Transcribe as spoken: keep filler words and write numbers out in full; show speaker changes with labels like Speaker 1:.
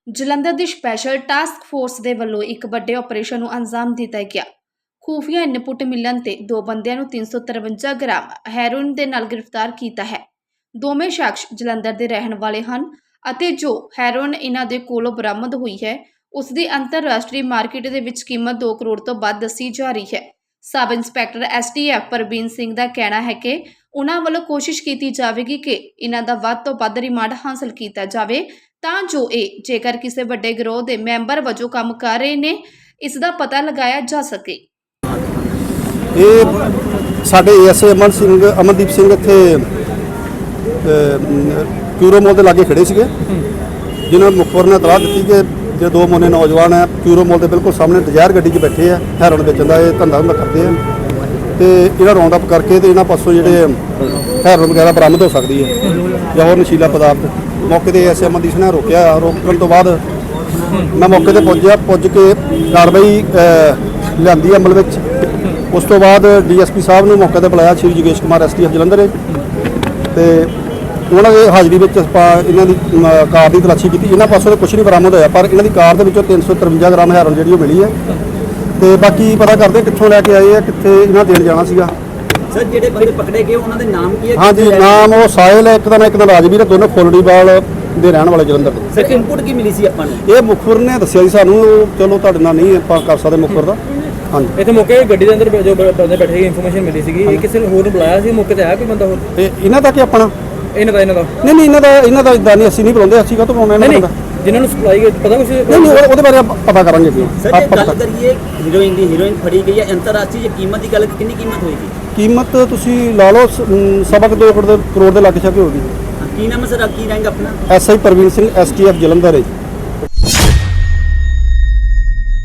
Speaker 1: ਜਲੰਧਰ ਦੀ special task force ਦੇ ਵੱਲੋਂ ਇੱਕ ਵੱਡੇ ਆਪਰੇਸ਼ਨ ਨੂੰ ਅੰਜਾਮ ਦਿੱਤਾ ਗਿਆ। ਖੂਫੀਆ ਇਨਪੁਟ ਮਿਲਣ ਤੇ ਦੋ ਬੰਦਿਆਂ ਨੂੰ ਤਿੰਨ ਸੌ ਤਰਵੰਜਾ ਗ੍ਰਾਮ ਹੈਰੋਇਨ ਦੇ ਨਾਲ ਗ੍ਰਿਫਤਾਰ ਕੀਤਾ ਹੈ। ਦੋਵੇਂ ਸ਼ਖਸ ਜਲੰਧਰ ਦੇ ਰਹਿਣ ਵਾਲੇ ਹਨ ਅਤੇ ਜੋ ਹੈਰੋਇਨ ਇਹਨਾਂ ਦੇ ਕੋਲੋਂ ਬਰਾਮਦ ਹੋਈ ਹੈ ਉਸ ਦੀ ਅੰਤਰਰਾਸ਼ਟਰੀ ਮਾਰਕੀਟ ਦੇ ਵਿੱਚ ਕੀਮਤ ਦੋ ਕਰੋੜ ਤੋਂ ਵੱਧ ਦੱਸੀ ਜਾ ਰਹੀ ਹੈ। Sub inspector S T F Parveen Singh ਦਾ ਕਹਿਣਾ ਹੈ ਕਿ ਉਹਨਾਂ ਵੱਲੋਂ ਕੋਸ਼ਿਸ਼ ਕੀਤੀ ਜਾਵੇਗੀ ਕਿ ਇਹਨਾਂ ਦਾ ਵੱਧ ਤੋਂ ਵੱਧ ਰਿਮਾਂਡ ਹਾਸਲ ਕੀਤਾ ਜਾਵੇ ਤਾਂ ਜੋ ਇਹ ਜੇਕਰ ਕਿਸੇ ਵੱਡੇ ਗਿਰੋਹ ਦੇ ਮੈਂਬਰ ਵਜੋਂ ਕੰਮ ਕਰ ਰਹੇ ਨੇ ਇਸ ਦਾ ਪਤਾ ਲਗਾਇਆ ਜਾ ਸਕੇ।
Speaker 2: ਇਹ ਸਾਡੇ ਏਐਸਏ ਅਮਨ ਸਿੰਘ ਅਮਨਦੀਪ ਸਿੰਘ ਇੱਥੇ ਕਿਊਰੋ ਮੋਲ ਦੇ ਲਾਗੇ ਖੜੇ ਸੀਗੇ, ਜਿਨ੍ਹਾਂ ਨੂੰ ਮੁਖਬਰ ਨੇ ਇਤਲਾਹ ਦਿੱਤੀ ਕਿ ਜੇ ਦੋ ਮੋਨੇ ਨੌਜਵਾਨ ਹੈ ਕਿਊਰੋ ਮੋਲ ਦੇ ਬਿਲਕੁਲ ਸਾਹਮਣੇ ਡਿਜ਼ਾਇਰ ਗੱਡੀ 'ਚ ਬੈਠੇ ਆ, ਹੈਰੋਇਨ ਵੇਚਣ ਦਾ ਇਹ ਧੰਦਾ ਹੁੰਦਾ ਕਰਦੇ ਆ ਤੇ ਇਹਨਾਂ ਰਾਉਂਡ ਅਪ ਕਰਕੇ ਤੇ ਇਹਨਾਂ ਪਾਸੋਂ ਜਿਹੜੇ ਹੈਰੋਇਨ ਵਗੈਰਾ ਬਰਾਮਦ ਹੋ ਸਕਦੀ ਹੈ ਜਾਂ ਹੋਰ ਨਸ਼ੀਲਾ ਪਦਾਰਥ। ਮੌਕੇ ਤੇ ਐਸ ਅਮਨਦੀਪ ਨੇ ਰੋਕਿਆ, ਰੋਕਣ ਤੋਂ ਬਾਅਦ ਮੈਂ ਮੌਕੇ ਤੇ ਪਹੁੰਚਿਆ, ਪੁੱਜ ਕੇ ਕਾਰਵਾਈ ਲਿਆਂਦੀ ਅਮਲ ਵਿੱਚ। ਉਸ ਤੋਂ ਬਾਅਦ ਡੀਐਸਪੀ ਸਾਹਿਬ ਨੂੰ ਮੌਕੇ ਤੇ ਬੁਲਾਇਆ, ਸ਼੍ਰੀ ਜੋਗੇਸ਼ ਕੁਮਾਰ ਐਸਟੀਐਫ ਜਲੰਧਰ, ਤੇ ਉਹਨਾਂ ਦੇ ਹਾਜ਼ਰੀ ਵਿੱਚ ਆਪਾਂ ਇਹਨਾਂ ਦੀ ਕਾਰ ਦੀ ਤਲਾਸ਼ੀ ਕੀਤੀ। ਇਹਨਾਂ ਪਾਸੋਂ ਤਾਂ ਕੁਛ ਨਹੀਂ ਬਰਾਮਦ ਹੋਇਆ, ਪਰ ਇਹਨਾਂ ਦੀ ਕਾਰ ਦੇ ਵਿੱਚੋਂ ਤਿੰਨ ਸੌ ਤਰਵੰਜਾ ਗ੍ਰਾਮ ਹੈਰੋਇਨ ਜਿਹੜੀ ਉਹ ਮਿਲੀ ਹੈ ਤੇ ਬਾਕੀ ਪਤਾ ਕਰਦੇ ਕਿੱਥੋਂ ਲੈ ਕੇ ਆਏ ਆ, ਕਿੱਥੇ ਇਹਨਾਂ ਦੇਣ ਜਾਣਾ ਸੀਗਾ।
Speaker 3: ਸਰ ਜਿਹੜੇ ਬੰਦੇ ਪਕੜੇ ਗਏ ਉਹਨਾਂ ਦੇ ਨਾਮ ਕੀ ਹੈ?
Speaker 2: ਹਾਂਜੀ, ਨਾਮ ਉਹ ਸਾਹਿਲ ਹੈ, ਇੱਕ ਦਾ ਨਾਮ ਇੱਕ ਦਾ ਰਾਜਵੀਰ ਹੈ, ਦੋਨੋਂ ਫੁੱਲੜੀਵਾਲ ਦੇ ਰਹਿਣ ਵਾਲੇ ਜਲੰਧਰ ਦੇ।
Speaker 3: ਸਰ ਇਨਪੁਟ ਕੀ ਮਿਲੀ ਸੀ ਆਪਾਂ ਨੂੰ?
Speaker 2: ਇਹ ਮੁਖਬਰ ਨੇ ਦੱਸਿਆ ਜੀ ਸਾਨੂੰ, ਚਲੋ ਤੁਹਾਡੇ ਨਾਲ ਨਹੀਂ ਆਪਾਂ ਕਰ ਸਕਦੇ ਮੁਖਬਰ ਦਾ। ਹਾਂਜੀ,
Speaker 4: ਇੱਥੇ ਮੌਕੇ ਗੱਡੀ ਦੇ ਅੰਦਰ ਜੋ ਬੰਦੇ ਬੈਠੇ ਸੀ ਇਨਫੋਰਮੇਸ਼ਨ ਮਿਲੀ ਸੀਗੀ, ਇਹ ਕਿਸੇ ਨੂੰ ਹੋਰ ਨੂੰ ਬੁਲਾਇਆ ਸੀ? ਮੌਕੇ ਤੇ ਆਇਆ ਕੋਈ ਬੰਦਾ ਹੋਰ?
Speaker 2: ਇਹ ਇਹਨਾਂ ਦਾ ਕਿ ਆਪਣਾ
Speaker 4: ਇਹਨਾਂ ਦਾ ਇਹਨਾਂ ਦਾ
Speaker 2: ਨਹੀਂ ਨਹੀਂ ਇਹਨਾਂ ਦਾ ਇਹਨਾਂ ਦਾ ਇਦਾਂ ਨਹੀਂ, ਅਸੀਂ ਨਹੀਂ ਬੁਲਾਉਂਦੇ, ਅਸੀਂ ਕਾਹਤੋਂ ਬੁਲਾਉਣਾ ਇਹਨਾਂ ਦਾ?
Speaker 4: ਜਿਨ੍ਹਾਂ ਨੂੰ ਸਪਲਾਈ ਪਤਾ ਕੁਝ
Speaker 2: ਨਹੀਂ ਨਹੀਂ ਉਹਦੇ ਬਾਰੇ ਆਪਾਂ ਪਤਾ ਕਰਾਂਗੇ ਜੀ।
Speaker 3: ਸਰ ਜੇ ਗੱਲ ਕਰੀਏ ਹੀਰੋਇਨ ਦੀ, ਹੀਰੋਇਨ ਫੜੀ ਗਈ ਹੈ, ਅੰਤਰਰਾਸ਼ਟਰੀ ਜੇ ਕੀਮਤ ਦੀ ਗੱਲ, ਕਿੰਨੀ ਕੀਮਤ ਹੋਏਗੀ?
Speaker 2: ਕੀਮਤ ਤੁਸੀਂ ਲਾ ਲਓ ਸਵਾ ਕੁ ਦੋ ਕਰੋੜ ਦੇ ਕਰੋੜ ਦੇ ਲੱਗ ਛਾਕੇ ਹੋਗੀ।
Speaker 3: ਕੀ ਨਾਮ ਹੈ ਸਰ, ਕੀ ਰੈਂਕ ਆਪਣਾ?
Speaker 2: ਐਸਆਈ ਪ੍ਰਵੀਨ ਸਿੰਘ ਐਸਟੀਐਫ ਜਲੰਧਰ ਹੈ।